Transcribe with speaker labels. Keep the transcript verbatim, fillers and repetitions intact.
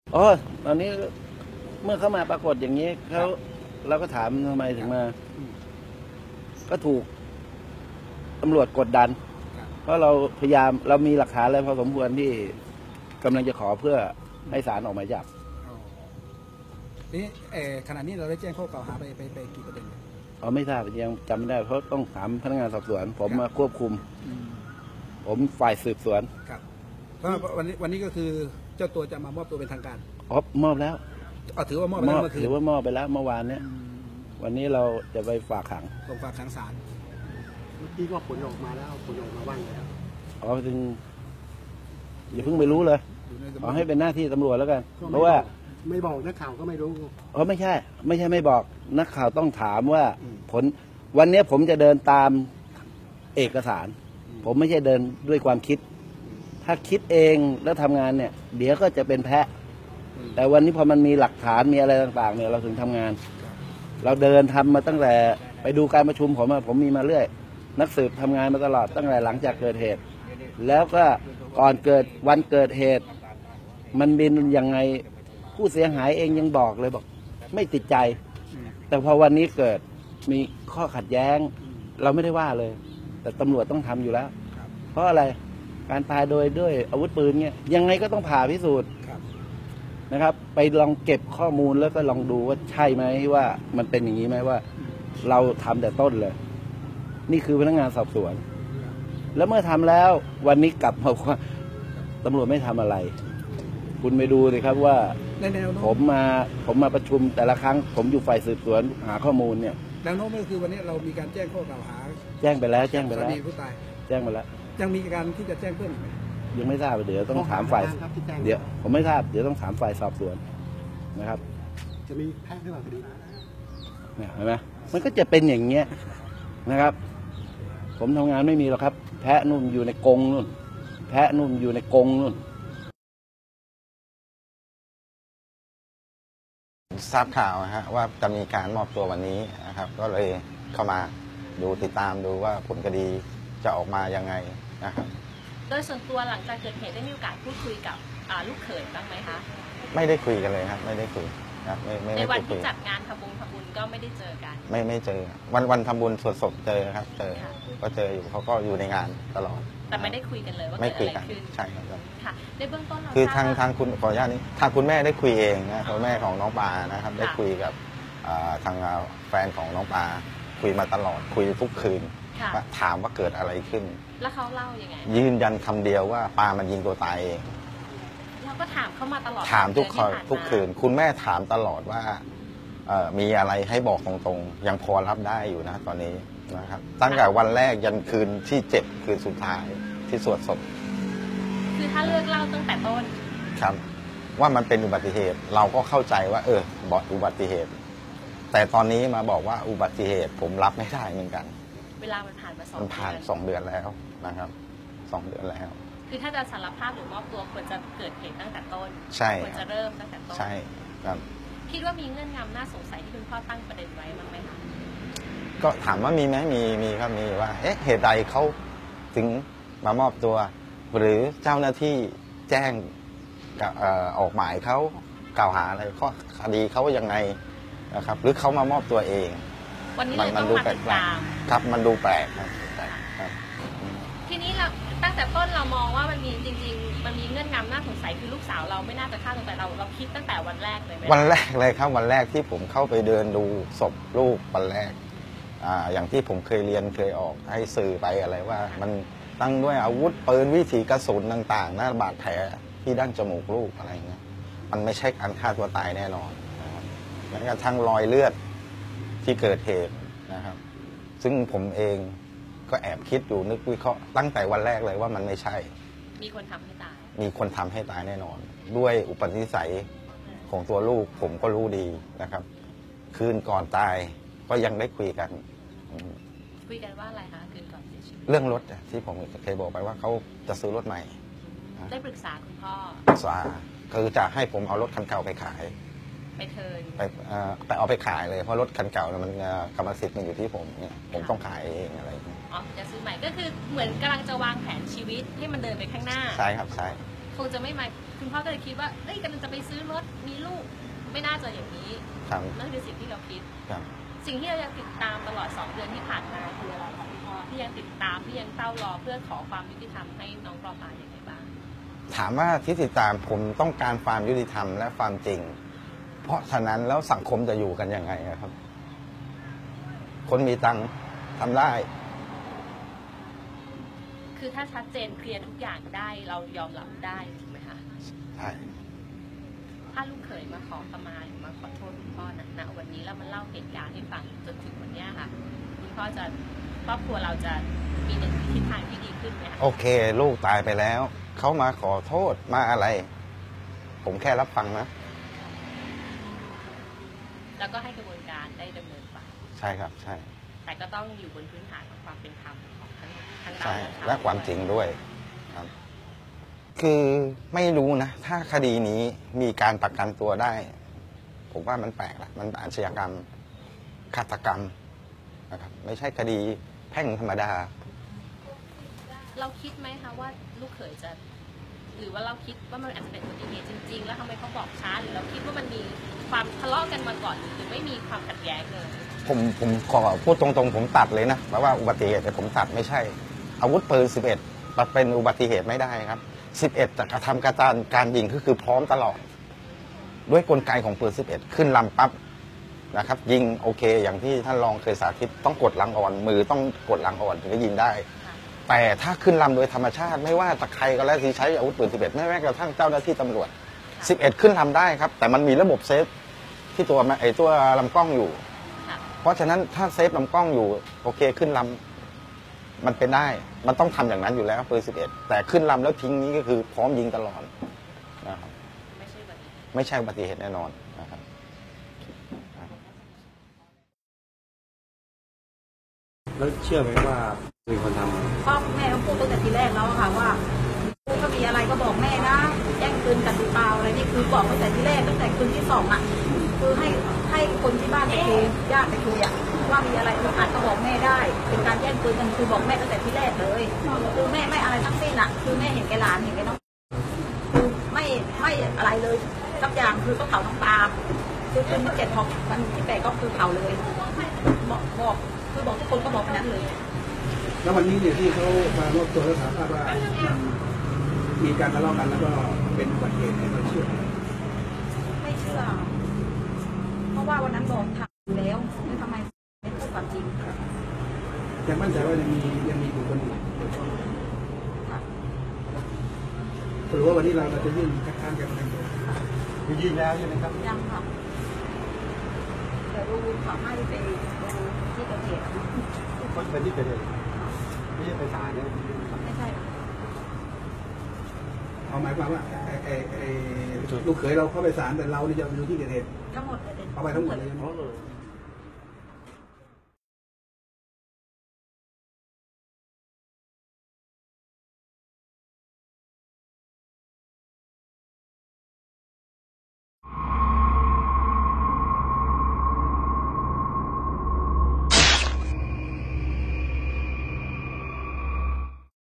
Speaker 1: อ๋อตอนนี้เมื่อเขามาปรากฏอย่างนี้เขาเราก็ถามทำไมถึงมา ก็ถูกตำรวจกดดัน เพราะเราพยายามเรามีหลักฐานอะไรพอสมควรที่กำลังจะขอเพื่อให้ศาลออกหมายจับ
Speaker 2: นี่เออขณะนี้เราได้แจ้งข้อกล่าวหาไปไปไปกี่ประเด็น
Speaker 1: อ๋อไม่ทราบยังจำไม่ได้เพราะต้องถามพนักงานสอบสวน ผมมาควบคุม ผมฝ่ายสืบสวน
Speaker 2: ครับก็วันนี้วันนี้ก็คือเจ้าตัวจะมามอบตัวเป็นทางการ
Speaker 1: อ๋อมอบแล้ว
Speaker 2: อ๋อถือว่ามอบไปแล้วเมื่อคืน
Speaker 1: ถือว่ามอบไปแล้วเมื่อวานเนี้ยวันนี้เราจะไปฝากขัง
Speaker 2: ส่งฝากขังศาล
Speaker 3: เมื่อกี้ก็ผลออกมาแล้วผลออกมาว่างแล้ว
Speaker 1: อ๋อถึงอย่าเพิ่งไปรู้เลย
Speaker 2: อยู่ในสำน
Speaker 1: ขอ
Speaker 2: วน
Speaker 1: ให้เป็นหน้าที่ตำรวจแล้วกัน
Speaker 3: ก็
Speaker 1: เพ
Speaker 3: ไม่
Speaker 1: ราะว่า
Speaker 3: บอกไม่บอกนักข่าวก็ไม่รู้
Speaker 1: อ๋อไม่ใช่ ไม่ใช่ไม่บอกนักข่าวต้องถามว่าผลวันนี้ผมจะเดินตามเอกสาร ผมไม่ใช่เดินด้วยความคิด ถ้าคิดเองแล้วทำงานเนี่ย เดี๋ยวก็จะเป็นแพะ แต่วันนี้พอมันมีหลักฐานมีอะไรต่างๆเนี่ยเราถึงทำงาน เราเดินทำมาตั้งแต่ไปดูการประชุมผมอะผมมีมาเรื่อย นักสืบทำงานมาตลอดตั้งแต่หลังจากเกิดเหตุ แล้วก็ก่อนเกิดวันเกิดเหตุ มันบินยังไงผู้เสียหายเองยังบอกเลยบอก ไม่ติดใจ แต่พอวันนี้เกิดมีข้อขัดแย้ง เราไม่ได้ว่าเลย แต่ตำรวจต้องทำอยู่แล้ว เพราะอะไรการพาโดยด้วยอาวุธปืนเนี่ยยังไงก็ต้องผ่าพิสูจน์นะครับ ไปลองเก็บข้อมูลแล้วก็ลองดูว่าใช่ไหมว่ามันเป็นอย่างนี้ไหมว่า เราทำแต่ต้นเลย นี่คือพนักงานสอบสวน แล้วเมื่อทำแล้ววันนี้กลับมาว่าตำรวจไม่ทำอะไร คุณไปดูสิครับว่า
Speaker 2: ในแนวโน้
Speaker 1: ผมมาผมมาประชุมแต่ละครั้ง ผมอยู่ฝ่ายสืบสวนหาข้อมูลเนี่ย
Speaker 2: แนวโน้มก็คือวันนี้เรามีการแจ้งข้อกล่าวหา
Speaker 1: แจ้งไปแล้ว แจ้งไป
Speaker 2: สา
Speaker 1: แล้ว
Speaker 2: มีผู้ตาย
Speaker 1: แจ้งไปแล้ว
Speaker 2: ยังมีการที่จะแจ้งเพิ่มอีกไหม
Speaker 1: ยังไม่ทราบเดี๋ยวต้องถามฝ่าย
Speaker 3: ข้อหาครับที่แจ้ง
Speaker 1: เดี๋ยวผมไม่ทราบเดี๋ยวต้องถามฝ่ายสอบสวนนะครับ
Speaker 3: จะมีแพ้หรือเปล่าคดี
Speaker 1: เนี่ยเห็นไหมมันก็จะเป็นอย่างเงี้ยนะครับ ผมทำงานไม่มีหรอกครับ แพะนุ่มอยู่ในกรงนู่น แพะนุ่มอยู่ในกรงนู่น
Speaker 4: ทราบข่าวนะฮะว่าจะมีการมอบตัววันนี้นะครับ ก็เลยเข้ามาดูติดตามดูว่าผลคดีจะออกมายังไงนะครับ
Speaker 5: โดยส่วนตัวหลังจากเกิดเหตุได้มีโอกาสพูดคุยกับอ่าลูกเขยบ้างไหมคะ
Speaker 4: ไม่ได้คุยกันเลยครับไม่ได้คุยครับไม่ไม่
Speaker 5: ใน
Speaker 4: ไม่
Speaker 5: วัน
Speaker 4: ได้คุ
Speaker 5: ที่
Speaker 4: ย
Speaker 5: จัดงานทำบุญทำบุญก็ไม่ได้เจอกัน
Speaker 4: ไม่ไม่เจอ วันวันทำบุญสวดศพเจอครับ เจอ
Speaker 5: ค่ะ
Speaker 4: ก็เจออยู่เขาก็อยู่ในงานตลอด
Speaker 5: แต่ไม่ได้คุยกันเลยว่า
Speaker 4: ไม่
Speaker 5: เกิด
Speaker 4: คุย
Speaker 5: อะไร
Speaker 4: กัน
Speaker 5: ขึ้น
Speaker 4: ใช่ครับ
Speaker 5: ค่ะในเบื้องต้นเรา
Speaker 4: คือ
Speaker 5: ท
Speaker 4: ทา
Speaker 5: ราบ
Speaker 4: งทางคุณขออนุญาตนี้ทางคุณแม่ได้คุยเองนะคุณแม่ของน้องปานะครับ ได้
Speaker 5: ค่ะ
Speaker 4: คุยกับอ่าทางแฟนของน้องปาคุยมาตลอดคุยทุกคืน
Speaker 5: ค่ะ
Speaker 4: ว่าถามว่าเกิดอะไรขึ้น
Speaker 5: แล้วเขาเล่ายังไง
Speaker 4: ยืนยันคำเดียวว่าปามันยิงตัวตายเอง
Speaker 5: เราก็ถามเขามาตลอด
Speaker 4: ถามทุก
Speaker 5: เดื
Speaker 4: ค
Speaker 5: อน
Speaker 4: น
Speaker 5: ที่ผ่ามา
Speaker 4: ทุกคืน คุณแม่ถามตลอดว่าเอ่อมีอะไรให้บอกตรงๆ ยังพอรับได้อยู่นะตอนนี้นะครับ ตั้งแต่วันแรกยันคืนที่เจ็ดคืนสุดท้ายที่สวดศพ
Speaker 5: คือถ้าเลือกเล่าตั้งแต่ต้น
Speaker 4: ครับ ว่ามันเป็นอุบัติเหตุ เราก็เข้าใจว่า เออบอกอุบัติเหตุ แต่ตอนนี้มาบอกว่าอุบัติเหตุ ผมรับไม่ได้เหมือนกัน
Speaker 5: เวลามันผ่านมาสอง
Speaker 4: มันผ่าน
Speaker 5: เดือน
Speaker 4: สองเดือนแล้วนะครับสองเดือนแล้ว
Speaker 5: คือถ้าจะสารภาพหรือมอบตัวควรจะเกิดเหตุตั้งแต่ต้น
Speaker 4: ใช่
Speaker 5: ควรจะเริ่มตั้งแต่ต้น
Speaker 4: ใช่ครับ
Speaker 5: คิดว่ามีเงื่อนงำน่าสงสัยที่คุณพ่อตั้งประเด็นไว้บ้างไหมคะ
Speaker 4: ก็ถามว่ามีไหมมีมีครับมีว่า เอ๊ะเหตุใดเขาถึงมามอบตัว หรือเจ้าหน้าที่แจ้งกับเอ่อออกหมายเขากล่าวหาอะไรข้อคดีเขายังไงนะครับ หรือเขามามอบตัวเอง
Speaker 5: วันนี้เลยต้อง
Speaker 4: ดู
Speaker 5: มา
Speaker 4: แปล
Speaker 5: ติ
Speaker 4: ก
Speaker 5: ดตาม
Speaker 4: ๆครับมันดูแปลกครับแปลกครับ
Speaker 5: ทีนี้เราตั้งแต่ต้นเรามองว่ามันมีจริงๆ มันมีเงื่อนงำน่าสงสัยคือลูกสาวเราไม่น่าจะฆ่าตัวตายเราเราคิดตั้งแต่วันแรกเลยไหม
Speaker 4: วันแรกเลยครับวันแรกที่ผมเข้าไปเดินดูศพลูกวันแรกอ่าอย่างที่ผมเคยเรียนเคยออกให้สื่อไปอะไรว่า มันตั้งด้วยอาวุธปืนวิถีกระสุนต่างๆหน้าบาดแผลที่ดั้งจมูกลูกอะไรเงี้ยมันไม่ใช่การฆ่าตัวตายแน่นอนนะครับแม้กระทั่งรอยเลือดที่เกิดเหตุนะครับ ซึ่งผมเองก็แอบคิดอยู่นึกวิเคราะห์ตั้งแต่วันแรกเลยว่ามันไม่ใช่
Speaker 5: มีคนทำให้ตาย
Speaker 4: มีคนทำให้ตายแน่นอน ด้วยอุปนิสัยของตัวลูกผมก็รู้ดีนะครับ คืนก่อนตายก็ยังได้คุยกันอืม
Speaker 5: คุยกันว่าอะไรคะคืนก่อนเสียชีวิต
Speaker 4: เรื่องรถอะที่ผมเคยบอกไปว่าเขาจะซื้อรถใหม่
Speaker 5: ได้ปรึกษาคุณพ่อ
Speaker 4: สาคือจะให้ผมเอารถคันเก่าไปขาย
Speaker 5: ไปเทิร์น
Speaker 4: ไปเอ่อไปเอาไปขายเลยเพราะรถคันเก่าเนี่ยมันเอ่อกรรมสิทธิ์มันอยู่ที่ผมเนี่ยผมต้องขายเองอะไรอย่างเงี้ย
Speaker 5: อ๋อจะซื้อใหม่ก็คือเหมือนกำลังจะวางแผนชีวิตให้มันเดินไปข้างหน้า
Speaker 4: ใช่ครับใช่
Speaker 5: คคงจะไม่มาคุณพ่อก็เลยคิดว่าเอ้ยกำลังจะไปซื้อรถมีลูกไม่น่าจะอย่างนี้
Speaker 4: ครับ
Speaker 5: นั่นคือสิ่งที่เราคิด
Speaker 4: ครับ
Speaker 5: สิ่งที่เรายังติดตามตลอดสองเดือนที่ผ่านมาคืออะไรคะพี่พ่อที่ยังติดตามที่ยังเฝ้ารอเพื่อขอความยุติธรรมให้น้องปอปาอย่างไรบ้าง
Speaker 4: ถามว่าที่ติดตามผมต้องการความยุติธรรมและความจริง เพราะฉะนั้นแล้วสังคมจะอยู่กันยังไงอะครับ คนมีตังค์ทำได้
Speaker 5: คือถ้าชัดเจนเคลียร์ทุกอย่างได้เรายอมรับได้ถูกไหมคะ
Speaker 4: ใช่
Speaker 5: ถ้าลูกเขยมาขอขมาหรือมาขอโทษคุณพ่อณณวันนี้แล้วมันเล่าเหตุการณ์ให้ฟังจนถึงวันนี้ค่ะคุณพ่อจะครอบครัวเราจะมีในทิศทางที่ดีขึ้นไหมคะ
Speaker 4: โอเค ลูกตายไปแล้ว เขามาขอโทษมาอะไร ผมแค่รับฟังนะ
Speaker 5: แล้วก็ให้กระบวนการได้ดำเนินไป
Speaker 4: ใช่ครับ ใช่
Speaker 5: แต่ก็ต้องอยู่บนพื้นฐานของความเป็นธรรมของทั้งทั้งเรา
Speaker 4: ใช่
Speaker 5: ทั้งเขา
Speaker 4: และความจริงด้วยครับ คือไม่รู้นะ ถ้าคดีนี้มีการประกันตัวได้ ผมว่ามันแปลกละมันอาชญากรรมฆาตกรรมนะครับ ไม่ใช่คดีแพ่งธรรมดา
Speaker 5: เราคิดไหมคะว่าลูกเขยจะ หรือว่าเราคิดว่ามันอาจจะเป็นอุบัติเหตุจริง ๆ แล้วทำไมเขาบอกช้าหรือเราคิดว่ามันมีความทะเลาะกันมาก่อนหรือไม่มีความขัดแย้งเลย
Speaker 4: ผมผมขอพูดตรงๆ ผมตัดเลยนะแปลว่าอุบัติเหตุแต่ผมตัดไม่ใช่ อาวุธปืนสิบเอ็ดเป็นอุบัติเหตุไม่ได้ครับสิบเอ็ดจะกระทำการการการยิงก็คือพร้อมตลอด ด้วยกลไกของปืนสิบเอ็ดขึ้นลำปั๊บนะครับ ยิงโอเค อย่างที่ท่านรองเคยสาธิตต้องกดลังอ่อน มือต้องกดลังอ่อนถึงจะยิงได้ แต่ถ้าขึ้นลำโดยธรรมชาติไม่ว่าตะใครก็แล้วที่ใช้อาวุธปืนสิบเอ็ดไม่แม้กระทั่งเจ้าหน้าที่ตำรวจสิบเอ็ดขึ้นลำได้ครับ แต่มันมีระบบเซฟที่ตัวไอ้ตัวลำกล้องอยู่ เพราะฉะนั้นถ้าเซฟลำกล้องอยู่โอเคขึ้นลำมันเป็นได้ มันต้องทำอย่างนั้นอยู่แล้วปืนสิบเอ็ดแต่ขึ้นลำแล้วทิ้งนี้ก็คือพร้อมยิงตลอดนะครับ
Speaker 5: ไม่ใช่อุบัติเหตุ
Speaker 4: ไม่ใช่อุบัติเหตุแน่นอนนะครับ
Speaker 3: แล้วเชื่อไหมว่ามีคนทำ
Speaker 6: พ่อแม่เขาพูดตั้งแต่ทีแรกแล้วอะค่ะว่าลูกก็มีอะไรก็บอกแม่นะแย่งปืนกันหรือเปล่าอะไรนี่คือบอกตั้งแต่ทีแรกตั้งแต่คืนที่สองอ่ะคือให้ให้คนที่บ้านไปคุยญาติไปคุยอ่ะว่ามีอะไรอาจก็บอกแม่ได้ เป็นการแย่งปืนกันคือบอกแม่ตั้งแต่ทีแรกเลยคือแม่ไม่อะไรทั้งสิ้นอ่ะคือแม่เห็นแกหลานเห็นแกน้องคือไม่ไม่อะไรเลยสักอย่างคือก็เผาน้ำตาคือคืนที่เจ็ดพอวันที่แปดก็คือเผาเลยบอกบอกคือบอกทุกคนก็บอกแบบนั้นเลย
Speaker 2: แล้ววันนี้เนี่ยที่เขามารวบตัวแล้วสารภาพว่ามันมีการทะเลาะกันแล้วก็เป็นอุบัติเหตุเนี่ยเราเชื่อไหม
Speaker 6: ไม่เชื่อ เพราะว่าวันนั้นบอกทำแล้วแล้วทำไมไม่พูดความจริง
Speaker 2: แต่มั่นใจว่ายังมียังมีบุคคลอื่นเกี่ยวข้อง
Speaker 6: ค่ะ
Speaker 2: หรือว่าวันนี้เราเราจะยื่นคัดค้านกันไหมคือยื่นแล้วใช่ไหมครับ
Speaker 6: ยังค่ะเดี๋ยวดูขอให้ไปดูที่เกิดเหตุอะ
Speaker 3: คนเป็นที่เกิดเหตุไม่ใช่ไปศาลเนี่ย
Speaker 6: ไม่ใช่
Speaker 2: เอาหมายความว่าไอ้ไอ้ไอ้ลูกเขยเราเข้าไปศาลแต่เราเนี่ยจะอยู่ที่เกิดเหตุ
Speaker 6: ทั้งหมดเลย
Speaker 2: เอาไปทั้งหมดเลย
Speaker 3: เพราะ